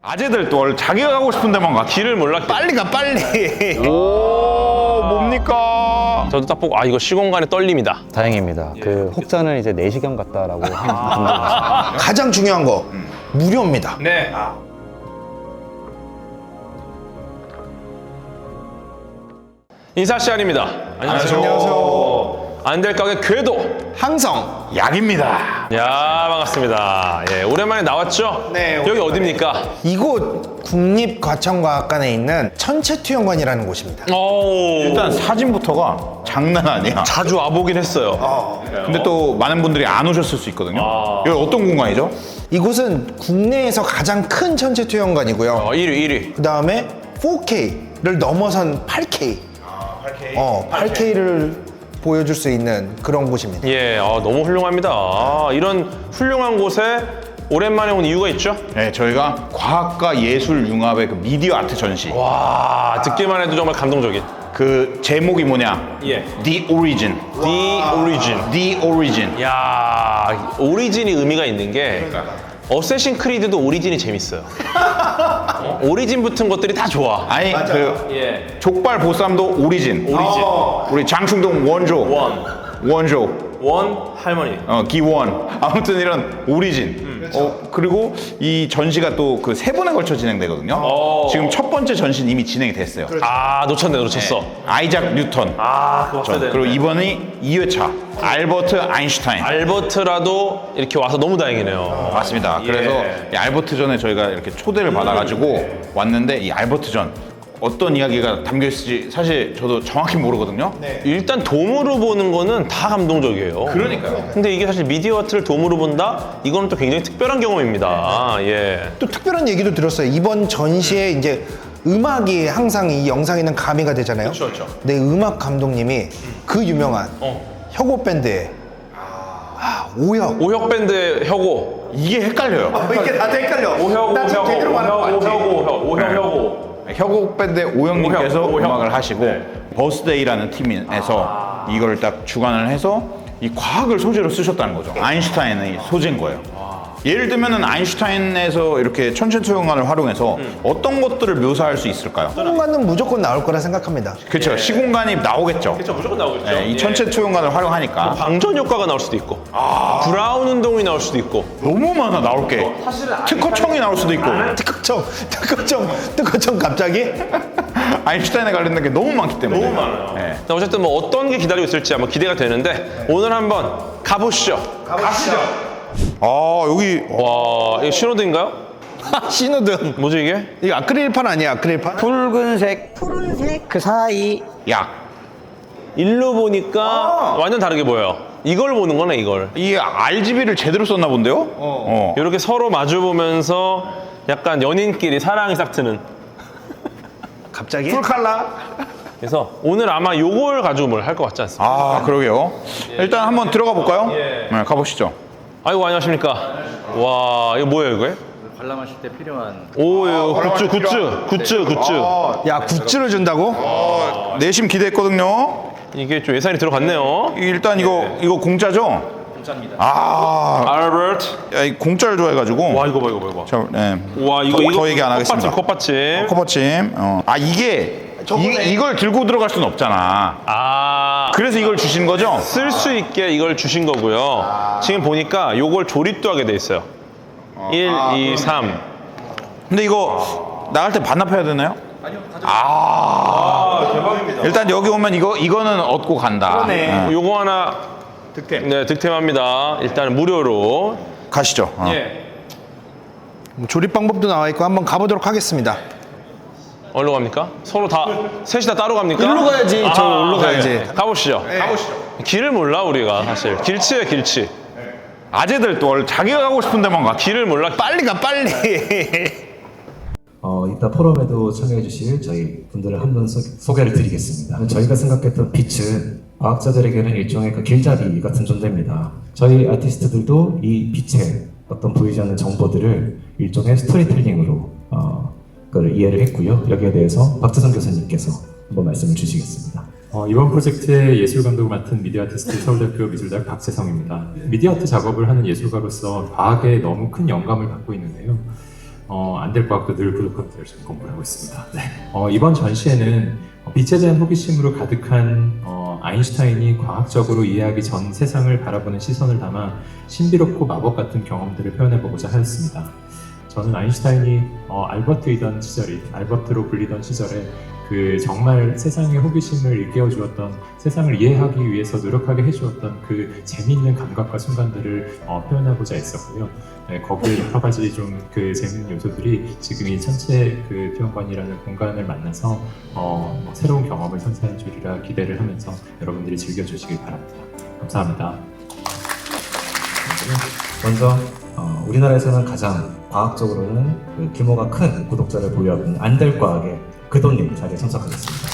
아재들 또 자기가 가고 싶은 데만 가. 길을 몰라. 빨리 가 빨리. 오, 뭡니까? 저도 딱 보고 이거 시공간의 떨림이다. 다행입니다. 그 혹자는 이제 내시경 같다라고 하는 분들 많습니다. 가장 중요한 거 무료입니다. 네. 인사 시간입니다. 안녕하세요. 안될 가게 궤도 항성. 약입니다. 야, 반갑습니다. 예, 오랜만에 나왔죠? 네, 여기 어딥니까? 이곳 국립과천과학관에 있는 천체투영관이라는 곳입니다. 오, 일단 사진부터가 장난 아니야. 자주 와보긴 했어요. 근데 또 많은 분들이 안 오셨을 수 있거든요. 여기 어떤 공간이죠? 이곳은 국내에서 가장 큰 천체투영관이고요. 1위. 그 다음에 4K를 넘어선 8K. 8K를 보여줄 수 있는 그런 곳입니다. 예, 너무 훌륭합니다. 이런 훌륭한 곳에 오랜만에 온 이유가 있죠? 네, 저희가 과학과 예술 융합의 그 미디어 아트 전시. 와, 듣기만 해도 정말 감동적인. 그 제목이 뭐냐? 예. The Origin. The Origin. The Origin. 야, 오리진이 의미가 있는 게 어쌔신 크리드도 오리진이 재밌어요. 오리진 붙은 것들이 다 좋아. 아니 그 예. 족발 보쌈도 오리진. 우리 장충동 원조. 원조. 원 할머니. 기원. 아무튼 이런 오리진. 그리고 이 전시가 또 그 세 번에 걸쳐 진행되거든요. 지금 첫 번째 전시는 이미 진행이 됐어요. 놓쳤어. 아이작 뉴턴. 그거 봤어야 되는데. 그리고 이번이 2회차 알버트 아인슈타인. 알버트라도 이렇게 와서 너무 다행이네요. 맞습니다. 그래서 이 알버트 전에 저희가 이렇게 초대를 받아가지고 왔는데 이 알버트 전 어떤 이야기가 담겨 있을지 사실 저도 정확히 모르거든요. 일단 돔으로 보는 거는 다 감동적이에요. 그러니까요. 근데 이게 사실 미디어 아트를 돔으로 본다? 이거는 또 굉장히 특별한 경험입니다. 예. 또 특별한 얘기도 들었어요. 이번 전시에 이제 음악이 항상 이 영상에는 가미가 되잖아요. 그렇죠. 네, 음악 감독님이 그 유명한 혁오 밴드의 오혁. 오혁 밴드의 혁오. 이게 헷갈려요. 이게 다들 헷갈려. 오혁. 혁오 밴드의 오영님께서 오혁. 음악을 하시고 버스데이라는 팀에서 이걸 딱 주관을 해서 이 과학을 소재로 쓰셨다는 거죠. 아인슈타인의 소재인 거예요. 예를 들면은 아인슈타인에서 이렇게 천체투영관을 활용해서 어떤 것들을 묘사할 수 있을까요? 시공간은 무조건 나올 거라 생각합니다. 그렇죠. 시공간이 나오겠죠. 그렇죠. 무조건 나오겠죠. 네, 이 천체투영관을 활용하니까 방전 효과가 나올 수도 있고, 브라운 운동이 나올 수도 있고. 너무 많아 나올 게. 특허청이 나올 수도 있고. 특허청 갑자기? 아인슈타인에 관련된 게 너무 많기 때문에. 너무 많아요. 네. 어쨌든 뭐 어떤 게 기다리고 있을지 한번 기대가 되는데 오늘 한번 가보시죠. 여기 와, 이거 신호등인가요? 신호등. 뭐지 이게? 이거 아크릴판 아니야, 아크릴판? 붉은색, 푸른색 그 사이. 약. 일로 보니까 완전 다르게 보여요. 이걸 보는 거네, 이걸. 이 RGB를 제대로 썼나 본데요? 이렇게 서로 마주 보면서 약간 연인끼리 사랑이 싹 트는. 갑자기? 풀칼라. 그래서 오늘 아마 요걸 가지고 뭘 할 것 같지 않습니까? 그러게요. 일단 한번 들어가 볼까요? 네, 가보시죠. 아이고, 안녕하십니까. 와, 이거 뭐예요, 이거? 관람하실 때 필요한 오, 이거 굿즈. 야, 굿즈를 준다고? 내심 기대했거든요. 이게 좀 예산이 들어갔네요. 일단 이거 공짜죠? 공짜입니다. 알버트. 야, 이 공짜를 좋아해가지고. 와, 이거 봐. 자, 네. 와, 이거 더 얘기 안 하겠습니다. 컵받침. 커버침. 이게 이걸 들고 들어갈 수는 없잖아. 그래서 이걸 주신 거죠? 쓸 수 있게 이걸 주신 거고요. 지금 보니까 요걸 조립도 하게 돼 있어요. 1, 2, 3. 근데 이거 나갈 때 반납해야 되나요? 아니요, 대박입니다. 일단 여기 오면 이거는 얻고 간다. 네. 요거 하나 득템. 네, 득템합니다. 일단 무료로. 가시죠. 예. 조립 방법도 나와 있고 한번 가보도록 하겠습니다. 어디로 갑니까? 서로 다 셋이 다 따로 갑니까? 일로 가야지. 저 일로 가야지. 네. 가보시죠. 길을 몰라 우리가 사실. 길치예요, 길치. 아재들 또 자기가 가고 싶은 데만 가. 길을 몰라. 빨리 가, 빨리. 이따 포럼에도 참여해 주실 저희 분들을 한 분 소개를 드리겠습니다. 저희가 생각했던 빛은 과학자들에게는 일종의 그 길잡이 같은 존재입니다. 저희 아티스트들도 이 빛의 어떤 보이지 않는 정보들을 일종의 스토리텔링으로 그걸 이해를 했고요. 여기에 대해서 박재성 교수님께서 한번 말씀을 주시겠습니다. 이번 프로젝트의 예술 감독을 맡은 미디어 아티스트 서울대학교 미술대학 박재성입니다. 미디어 아트 작업을 하는 예술가로서 과학에 너무 큰 영감을 받고 있는데요. 안될과학도 늘 부족한 것을 지금 공부를 하고 있습니다. 네. 이번 전시회는 빛에 대한 호기심으로 가득한 아인슈타인이 과학적으로 이해하기 전 세상을 바라보는 시선을 담아 신비롭고 마법 같은 경험들을 표현해보고자 하였습니다. 저는 아인슈타인이 알버트이던 시절이 알버트로 불리던 시절에 그 정말 세상의 호기심을 일깨워 주었던, 세상을 이해하기 위해서 노력하게 해주었던 그 재미있는 감각과 순간들을 표현하고자 했었고요. 네, 거기에 여러 가지 좀 그 재미있는 요소들이 지금 이 천체 그 표현관이라는 공간을 만나서 새로운 경험을 선사해 주리라 기대를 하면서 여러분들이 즐겨주시길 바랍니다. 감사합니다. 먼저 우리나라에서는 가장 과학적으로는 그 규모가 큰 구독자를 보유하고 있는 안될과학의 그돈님 자리에 참석하셨습니다.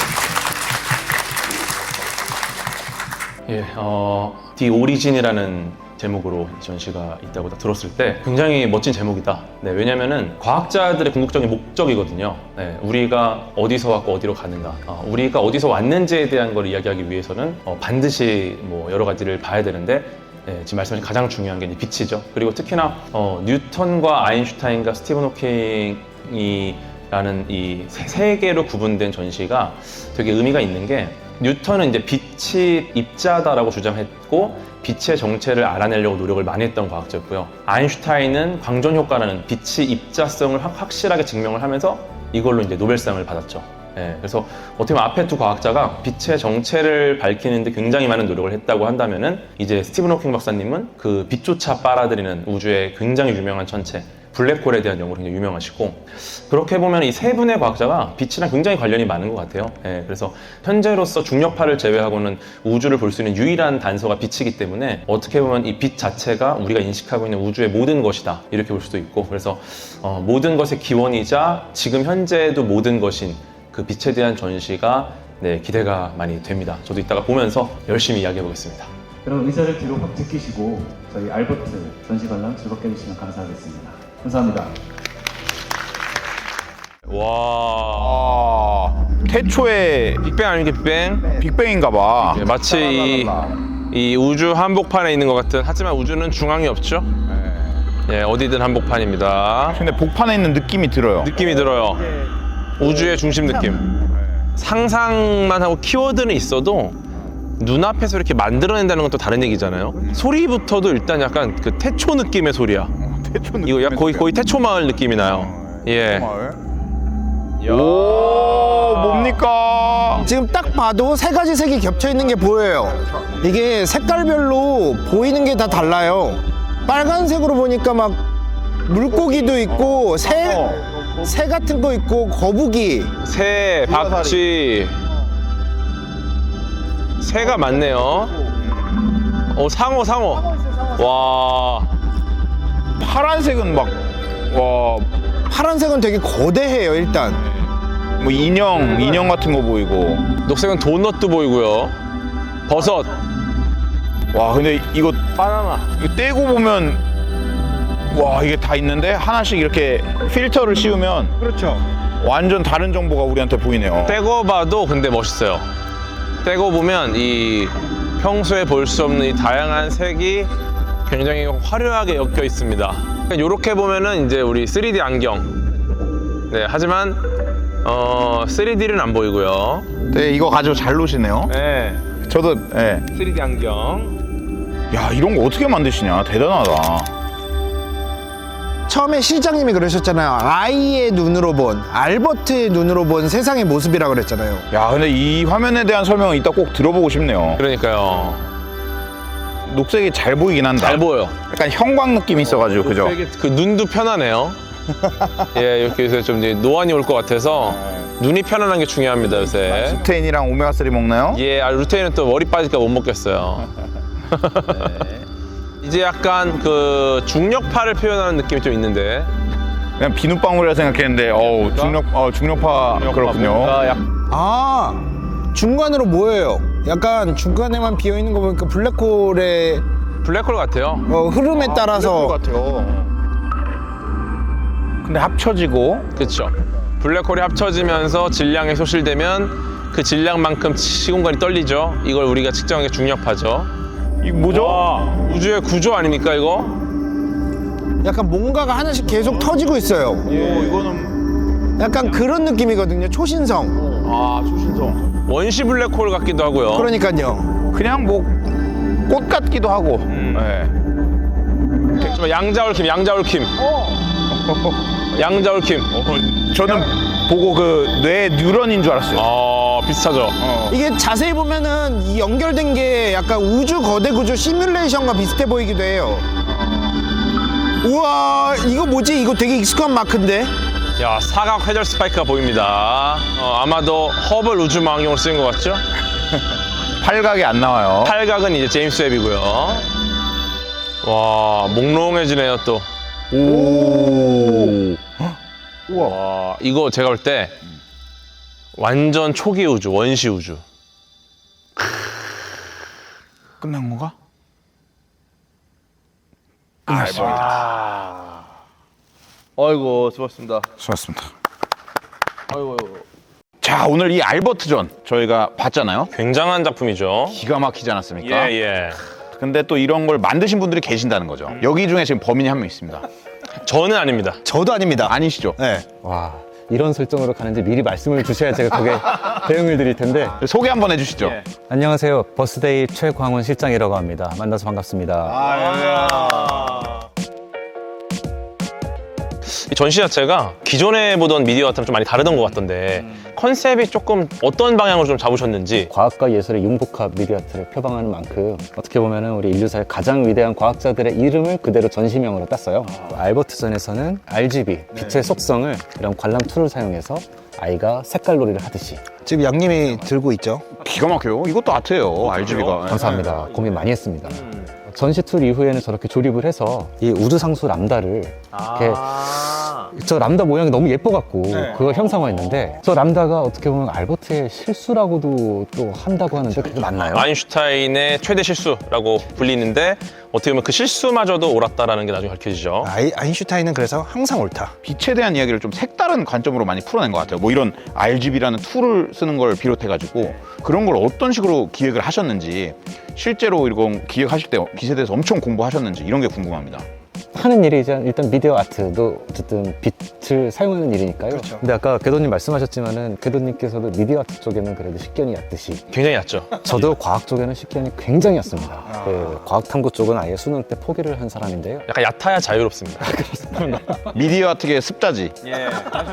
예, The Origin이라는 제목으로 이 전시가 있다고 들었을 때 굉장히 멋진 제목이다. 네, 왜냐면은 과학자들의 궁극적인 목적이거든요. 네, 우리가 어디서 왔고 어디로 가는가, 우리가 어디서 왔는지에 대한 걸 이야기하기 위해서는 반드시 뭐 여러 가지를 봐야 되는데, 네, 지금 말씀하신 가장 중요한 게 빛이죠. 그리고 특히나 뉴턴과 아인슈타인과 스티븐 호킹이 라는 이 세 개로 구분된 전시가 되게 의미가 있는 게, 뉴턴은 이제 빛이 입자다라고 주장했고 빛의 정체를 알아내려고 노력을 많이 했던 과학자였고요. 아인슈타인은 광전 효과라는 빛의 입자성을 확실하게 증명을 하면서 이걸로 이제 노벨상을 받았죠. 예, 그래서 어떻게 보면 앞에 두 과학자가 빛의 정체를 밝히는데 굉장히 많은 노력을 했다고 한다면은, 이제 스티븐 호킹 박사님은 그 빛조차 빨아들이는 우주의 굉장히 유명한 천체 블랙홀에 대한 연구로 굉장히 유명하시고, 그렇게 보면 이 세 분의 과학자가 빛이랑 굉장히 관련이 많은 것 같아요. 예, 그래서 현재로서 중력파를 제외하고는 우주를 볼 수 있는 유일한 단서가 빛이기 때문에 어떻게 보면 이 빛 자체가 우리가 인식하고 있는 우주의 모든 것이다, 이렇게 볼 수도 있고, 그래서 모든 것의 기원이자 지금 현재도 모든 것인 그 빛에 대한 전시가 기대가 많이 됩니다. 저도 이따가 보면서 열심히 이야기해 보겠습니다. 그럼 의자를 뒤로 확 제끼시고 저희 알버트 전시 관람 즐겁게 해주시면 감사하겠습니다. 감사합니다. 와, 태초에 빅뱅 아닙니까, 빅뱅? 빅뱅인가 봐. 예, 마치 이 우주 한복판에 있는 것 같은, 하지만 우주는 중앙이 없죠? 예, 어디든 한복판입니다. 근데 복판에 있는 느낌이 들어요. 느낌이 들어요. 우주의 중심 느낌. 상상만 하고 키워드는 있어도 눈앞에서 이렇게 만들어낸다는 건 또 다른 얘기잖아요. 소리부터도 일단 약간 그 태초 느낌의 소리야. 이거 약 거의 태초 마을 느낌이 나요. 예. 오, 뭡니까? 지금 딱 봐도 세 가지 색이 겹쳐 있는 게 보여요. 이게 색깔별로 보이는 게 다 달라요. 빨간색으로 보니까 막 물고기도 있고 새 같은 거 있고 거북이. 새, 박쥐. 새가 많네요. 상어. 와. 파란색은 막, 와, 파란색은 되게 거대해요. 일단 뭐 인형 같은 거 보이고. 녹색은 도넛도 보이고요. 버섯. 와, 근데 이거 바나나. 이거 떼고 보면, 와, 이게 다 있는데 하나씩 이렇게 필터를 씌우면 그렇죠. 완전 다른 정보가 우리한테 보이네요. 떼고 봐도 근데 멋있어요. 떼고 보면 이 평소에 볼 수 없는 이 다양한 색이 굉장히 화려하게 엮여 있습니다. 이렇게 보면은 이제 우리 3D 안경. 네, 하지만 3D는 안 보이고요. 네, 이거 가지고 잘 노시네요. 네, 저도, 네. 3D 안경. 야, 이런 거 어떻게 만드시냐? 대단하다. 처음에 시장님이 그러셨잖아요. 아이의 눈으로 본, 알버트의 눈으로 본 세상의 모습이라 그랬잖아요. 야, 근데 이 화면에 대한 설명은 이따 꼭 들어보고 싶네요. 그러니까요. 녹색이 잘 보이긴 한다. 잘 보여. 약간 형광 느낌이 있어가지고, 그죠? 그 눈도 편하네요. 예, 이렇게 요새 좀 이제 노안이 올 것 같아서 눈이 편안한 게 중요합니다, 요새. 루테인이랑 오메가3 먹나요? 예, 루테인은 또 머리 빠질까 못 먹겠어요. 이제 약간 그 중력파를 표현하는 느낌이 좀 있는데. 그냥 비눗방울이라 생각했는데, 중력파 그렇군요. 뭔가 아, 중간으로 뭐예요? 약간 중간에만 비어 있는 거 보니까 블랙홀의 블랙홀 같아요. 흐름에 따라서 같아요. 근데 합쳐지고. 그렇죠. 블랙홀이 합쳐지면서 질량이 소실되면 그 질량만큼 시공간이 떨리죠. 이걸 우리가 측정한 게 중력파죠. 이거 뭐죠? 와, 우주의 구조 아닙니까 이거? 약간 뭔가가 하나씩 계속 터지고 있어요. 오, 이거는 약간 그런 느낌이거든요. 초신성. 초신성. 원시 블랙홀 같기도 하고요. 그러니까요. 그냥 뭐 꽃 같기도 하고. 네. 정말 양자올킴. 양자올킴. 저는 보고 그 뇌 뉴런인 줄 알았어요. 비슷하죠. 이게 자세히 보면은 이 연결된 게 약간 우주 거대 구조 시뮬레이션과 비슷해 보이기도 해요. 우와, 이거 뭐지? 이거 되게 익숙한 마크인데? 야, 사각 회절 스파이크가 보입니다. 아마도 허블 우주망원경으로 쓰인 것 같죠? 팔각이 안 나와요. 팔각은 이제 제임스 웹이고요. 와, 몽롱해지네요 또. 오. 와, 이거 제가 볼 때 완전 초기 우주, 원시 우주. 끝난 건가? 아이고 수고하셨습니다. 수고하셨습니다. 아이고. 자, 오늘 이 알버트전 저희가 봤잖아요. 굉장한 작품이죠. 기가 막히지 않았습니까? 예. 근데 또 이런 걸 만드신 분들이 계신다는 거죠. 여기 중에 지금 범인이 한 명 있습니다. 저는 아닙니다. 저도 아닙니다. 아니시죠? 네. 와, 이런 설정으로 가는지 미리 말씀을 주셔야 제가 그게 대응을 드릴 텐데. 소개 한번 해주시죠. 안녕하세요. 버스데이 최광훈 실장이라고 합니다. 만나서 반갑습니다. 이 전시 자체가 기존에 보던 미디어 같으면 좀 많이 다르던 것 같던데 컨셉이 조금 어떤 방향으로 좀 잡으셨는지. 과학과 예술의 융복합 미디어아트를 표방하는 만큼 어떻게 보면 우리 인류사의 가장 위대한 과학자들의 이름을 그대로 전시명으로 땄어요. 알버트전에서는 RGB, 빛의 속성을 이런 관람 툴을 사용해서 아이가 색깔놀이를 하듯이. 지금 양님이 들고 있죠. 기가 막혀요. 이것도 아트예요. RGB가. 감사합니다. 고민 많이 했습니다. 전시 툴 이후에는 저렇게 조립을 해서 이 우주상수 람다를 이렇게 저 람다 모양이 너무 예뻐갖고 그걸 형상화했는데 저 람다가 어떻게 보면 알버트의 실수라고도 또 한다고 하는데 그게 맞나요? 아인슈타인의 최대 실수라고 불리는데 어떻게 보면 그 실수마저도 옳았다라는 게 나중에 밝혀지죠. 아인슈타인은 그래서 항상 옳다. 빛에 대한 이야기를 좀 색다른 관점으로 많이 풀어낸 것 같아요. 뭐 이런 RGB라는 툴을 쓰는 걸 비롯해가지고 그런 걸 어떤 식으로 기획을 하셨는지, 실제로 이런 기획하실 때 빛에 대해서 엄청 공부하셨는지 이런 게 궁금합니다. 하는 일이 이제 일단 미디어 아트도 어쨌든 빛을 사용하는 일이니까요. 그렇죠. 근데 아까 궤도님 말씀하셨지만은 궤도님께서도 미디어 아트 쪽에는 그래도 식견이 얕듯이 굉장히 얕죠. 저도 과학 쪽에는 식견이 굉장히 얕습니다. 그 과학 탐구 쪽은 아예 수능 때 포기를 한 사람인데요. 약간 얕아야 자유롭습니다. 미디어 아트계 습자지. 네,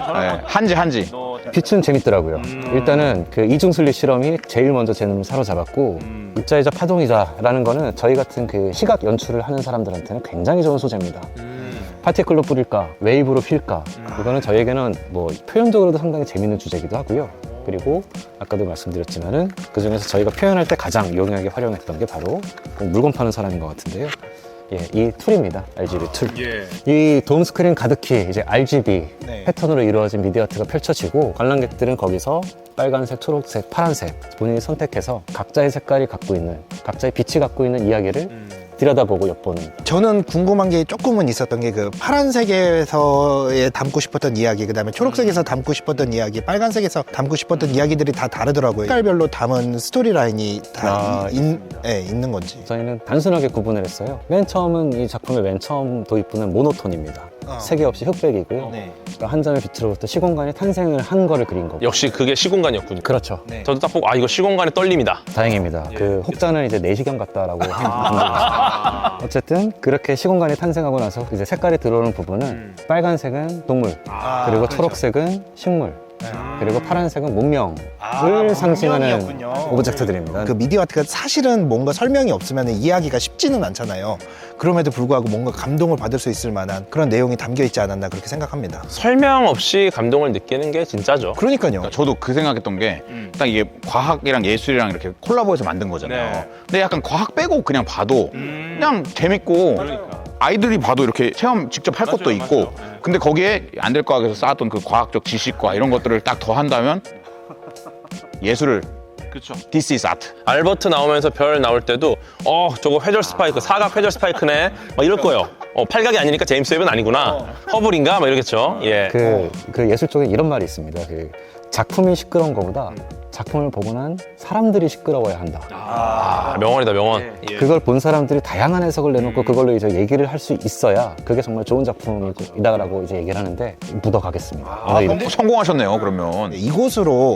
한지. 빛은 재밌더라고요. 일단은 그 이중슬립 실험이 제일 먼저 제 눈을 사로잡았고 입자이자 파동이자라는 거는 저희 같은 그 시각 연출을 하는 사람들한테는 굉장히 좋은 소재입니다. 파티클로 뿌릴까, 웨이브로 필까, 이거는 저희에게는 뭐 표현적으로도 상당히 재밌는 주제이기도 하고요. 그리고 아까도 말씀드렸지만은 그 중에서 저희가 표현할 때 가장 용이하게 활용했던 게 바로 물건 파는 사람인 것 같은데요. 예, 이 툴입니다. RGB 툴. 이 돔 스크린 가득히 이제 RGB 패턴으로 이루어진 미디어 아트가 펼쳐지고 관람객들은 거기서 빨간색, 초록색, 파란색 본인이 선택해서 각자의 색깔이 갖고 있는, 각자의 빛이 갖고 있는 이야기를 들여다보고 엿보는. 저는 궁금한 게 조금은 있었던 게 그 파란색에서에 담고 싶었던 이야기, 그 다음에 초록색에서 담고 싶었던 이야기, 빨간색에서 담고 싶었던 이야기들이 다 다르더라고요. 색깔별로 담은 스토리라인이 다 있는 건지. 저희는 단순하게 구분을 했어요. 맨 처음은 이 작품의 맨 처음 도입부는 모노톤입니다. 색이 없이 흑백이고요. 그러니까 한 점의 빛으로부터 시공간이 탄생을 한 거를 그린 거고. 역시 그게 시공간이었군요. 그렇죠. 저도 딱 보고 이거 시공간의 떨림이다. 다행입니다. 그 혹자는 이제 내시경 같다라고 합니다. 어쨌든 그렇게 시공간이 탄생하고 나서 이제 색깔이 들어오는 부분은 빨간색은 동물, 그리고 초록색은 식물, 그리고 파란색은 문명을 상징하는 오브젝트들입니다. 그 미디어 아트가 사실은 뭔가 설명이 없으면 이해하기가 쉽지는 않잖아요. 그럼에도 불구하고 뭔가 감동을 받을 수 있을 만한 그런 내용이 담겨 있지 않았나 그렇게 생각합니다. 설명 없이 감동을 느끼는 게 진짜죠. 그러니까요. 저도 그 생각했던 게 딱 이게 과학이랑 예술이랑 이렇게 콜라보해서 만든 거잖아요. 근데 약간 과학 빼고 그냥 봐도 그냥 재밌고 아이들이 봐도 이렇게 체험 직접 할 것도 있고 근데 거기에 안될과학에서 쌓았던 그 과학적 지식과 이런 것들을 딱 더한다면 예술을 This is art. 알버트 나오면서 별 나올 때도 저거 회절 스파이크, 사각 회절 스파이크네 막 이럴 거예요. 팔각이 아니니까 제임스 웹은 아니구나. 허블인가 막 이러겠죠. 예. 그 예술 쪽에 이런 말이 있습니다. 그 작품이 시끄러운 것보다 작품을 보고 난 사람들이 시끄러워야 한다. 아, 명언이다, 명언. 그걸 본 사람들이 다양한 해석을 내놓고 그걸로 이제 얘기를 할 수 있어야 그게 정말 좋은 작품이다라고 이제 얘기를 하는데 묻어가겠습니다. 오늘 이렇게 성공하셨네요, 그러면. 이곳으로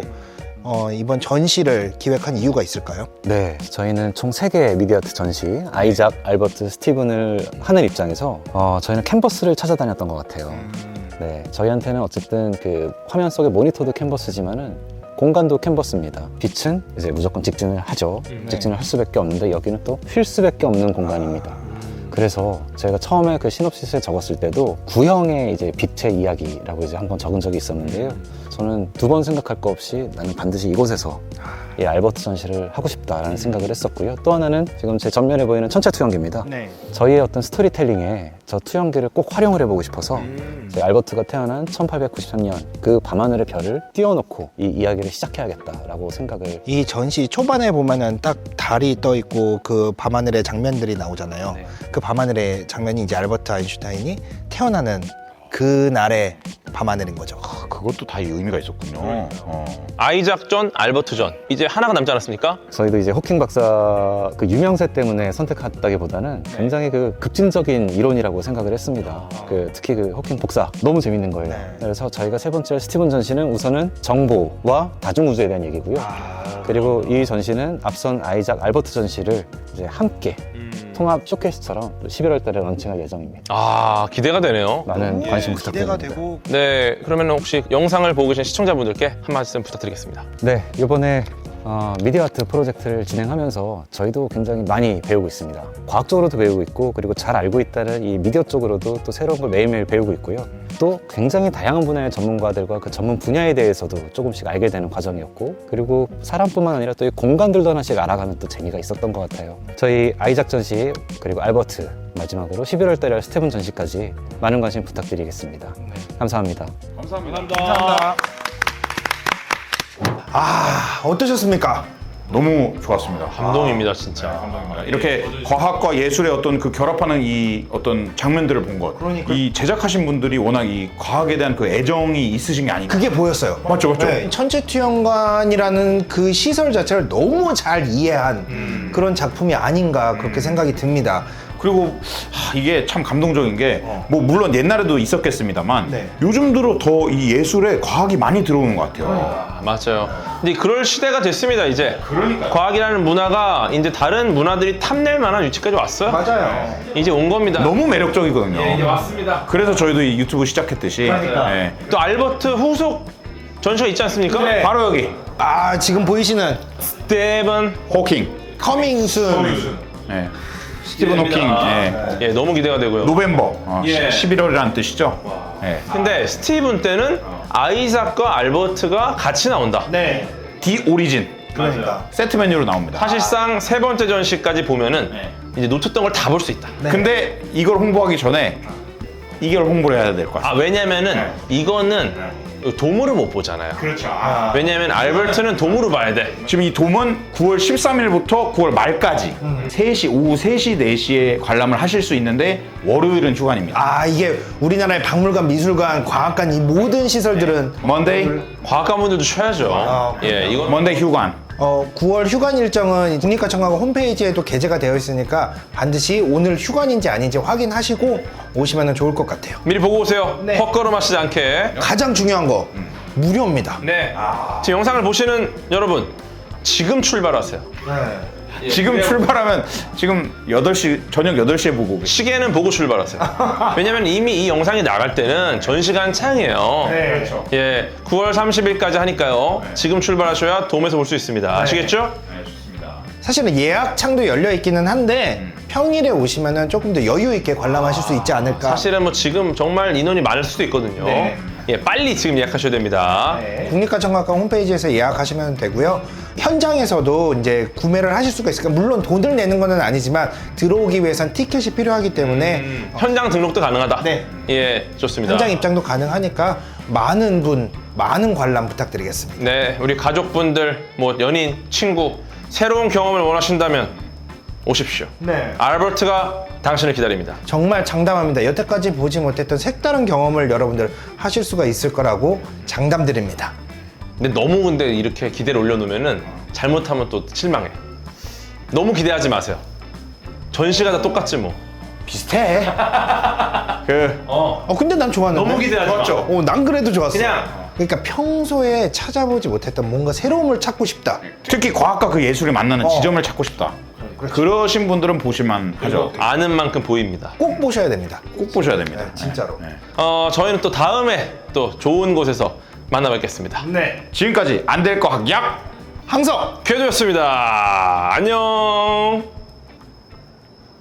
이번 전시를 기획한 이유가 있을까요? 네, 저희는 총 3개의 미디어아트 전시, 아이작, 알버트, 스티븐을 하는 입장에서 저희는 캔버스를 찾아다녔던 것 같아요. 네, 저희한테는 어쨌든 그 화면 속의 모니터도 캔버스지만은 공간도 캔버스입니다. 빛은 이제 무조건 직진을 하죠. 직진을 할 수밖에 없는데 여기는 또 휠 수밖에 없는 공간입니다. 그래서 제가 처음에 그 시놉시스에 적었을 때도 구형의 이제 빛의 이야기라고 이제 한번 적은 적이 있었는데요. 저는 2번 생각할 거 없이 나는 반드시 이곳에서 이 알버트 전시를 하고 싶다라는 생각을 했었고요. 또 하나는 지금 제 전면에 보이는 천체 투영기입니다. 네. 저희의 어떤 스토리텔링에 저 투영기를 꼭 활용을 해보고 싶어서 저희 알버트가 태어난 1893년 그 밤하늘의 별을 띄워놓고 이 이야기를 시작해야겠다라고 생각을. 이 전시 초반에 보면은 딱 달이 떠 있고 그 밤하늘의 장면들이 나오잖아요. 그 밤하늘의 장면이 이제 알버트 아인슈타인이 태어나는 그 날의 밤하늘인 거죠. 그것도 다 의미가 있었군요. 아이작 전, 알버트 전. 이제 하나가 남지 않았습니까? 저희도 이제 호킹 박사 그 유명세 때문에 선택했다기보다는 굉장히 그 급진적인 이론이라고 생각을 했습니다. 그 특히 그 호킹 복사 너무 재밌는 거예요. 그래서 저희가 3번째 스티븐 전시는 우선은 정보와 다중우주에 대한 얘기고요. 그리고 이 전시는 앞선 아이작, 알버트 전시를 이제 함께 통합 쇼케이스처럼 11월 달에 런칭할 예정입니다. 아, 기대가 되네요. 많은 관심 기대가 부탁드립니다. 되고 네, 그러면 혹시 영상을 보고 계신 시청자분들께 한 말씀 부탁드리겠습니다. 네, 이번에 미디어 아트 프로젝트를 진행하면서 저희도 굉장히 많이 배우고 있습니다. 과학적으로도 배우고 있고 그리고 잘 알고 있다는 이 미디어 쪽으로도 또 새로운 걸 매일매일 배우고 있고요. 또 굉장히 다양한 분야의 전문가들과 그 전문 분야에 대해서도 조금씩 알게 되는 과정이었고 그리고 사람뿐만 아니라 또 이 공간들도 하나씩 알아가는 또 재미가 있었던 것 같아요. 저희 아이작 전시 그리고 알버트 마지막으로 11월 달에 할 스티븐 전시까지 많은 관심 부탁드리겠습니다. 감사합니다. 어떠셨습니까? 너무 좋았습니다. 감동입니다, 진짜. 이렇게 과학과 예술의 어떤 그 결합하는 이 어떤 장면들을 본 것. 이 제작하신 분들이 워낙 이 과학에 대한 그 애정이 있으신 게 아닌가. 그게 보였어요. 맞죠, 맞죠. 네, 천체투영관이라는 그 시설 자체를 너무 잘 이해한 그런 작품이 아닌가 그렇게 생각이 듭니다. 그리고 이게 참 감동적인 게 뭐 물론 옛날에도 있었겠습니다만 네. 요즘 들어 더 이 예술에 과학이 많이 들어오는 것 같아요. 아, 맞아요. 근데 그럴 시대가 됐습니다, 이제. 과학이라는 문화가 이제 다른 문화들이 탐낼 만한 위치까지 왔어요. 맞아요. 이제 온 겁니다. 너무 매력적이거든요. 이제 왔습니다. 그래서 저희도 이 유튜브 시작했듯이 네. 또 알버트 후속 전시가 있지 않습니까? 바로 여기 지금 보이시는 스티븐 호킹. 커밍순. 네. 스티븐 호킹. 네. 예, 너무 기대가 되고요. 노벰버. 예. 11월이라는 뜻이죠. 네. 근데 스티븐 때는 아이작과 알버트가 같이 나온다. 네. 디 오리진. 그러니까. 세트 메뉴로 나옵니다. 사실상 3번째 전시까지 보면은 이제 놓쳤던 걸 다 볼 수 있다. 근데 이걸 홍보하기 전에 이걸 홍보를 해야 될 것 같아요. 아, 왜냐면은 이거는 돔으로 못 보잖아요. 그렇죠. 왜냐면 알버트는 돔으로 봐야 돼. 지금 이 돔은 9월 13일부터 9월 말까지 3시, 오후 3시, 4시에 관람을 하실 수 있는데 월요일은 휴관입니다. 이게 우리나라의 박물관, 미술관, 과학관 이 모든 시설들은 먼데이, 과학가분들도 쉬어야죠. 예, 이건 먼데이 휴관. 9월 휴관 일정은 국립과천과학원 홈페이지에도 게재가 되어 있으니까 반드시 오늘 휴관인지 아닌지 확인하시고 오시면 좋을 것 같아요. 미리 보고 오세요. 네. 헛걸음하시지 않게. 가장 중요한 거 무료입니다. 네. 지금 영상을 보시는 여러분, 지금 출발하세요. 지금 출발하면 지금 8시, 저녁 8시에 보고 계세요. 시계는 보고 출발하세요. 왜냐면 이미 이 영상이 나갈 때는 전시가 한창이에요. 네, 그렇죠. 예, 9월 30일까지 하니까요. 지금 출발하셔야 돔에서 볼 수 있습니다. 아시겠죠? 사실은 예약창도 열려 있기는 한데 평일에 오시면 조금 더 여유 있게 관람하실 수 있지 않을까. 사실은 뭐 지금 정말 인원이 많을 수도 있거든요. 예, 빨리 지금 예약하셔야 됩니다. 국립과천과학관 홈페이지에서 예약하시면 되고요. 현장에서도 이제 구매를 하실 수가 있으니까 물론 돈을 내는 건 아니지만 들어오기 위해선 티켓이 필요하기 때문에 현장 등록도 가능하다. 네. 예, 좋습니다. 현장 입장도 가능하니까 많은 관람 부탁드리겠습니다. 네, 우리 가족분들, 뭐 연인, 친구, 새로운 경험을 원하신다면 오십시오. 네. 알버트가 당신을 기다립니다. 정말 장담합니다. 여태까지 보지 못했던 색다른 경험을 여러분들 하실 수가 있을 거라고 장담드립니다. 근데 너무 근데 이렇게 기대를 올려놓으면은 잘못하면 또 실망해. 너무 기대하지 마세요. 전시가 다 똑같지 뭐. 비슷해. 그 근데 난 좋았는데. 너무 기대하지 마. 좋았죠. 난 그래도 좋았어. 그냥 그러니까 평소에 찾아보지 못했던 뭔가 새로움을 찾고 싶다. 특히 과학과 그 예술이 만나는 지점을 찾고 싶다. 그러신 분들은 보실만 하죠. 아는 만큼 보입니다. 꼭 보셔야 됩니다. 꼭 보셔야 됩니다. 진짜로. 네. 저희는 또 다음에 또 좋은 곳에서 만나뵙겠습니다. 지금까지 안 될 거 학약 항상 쾌도였습니다. 안녕.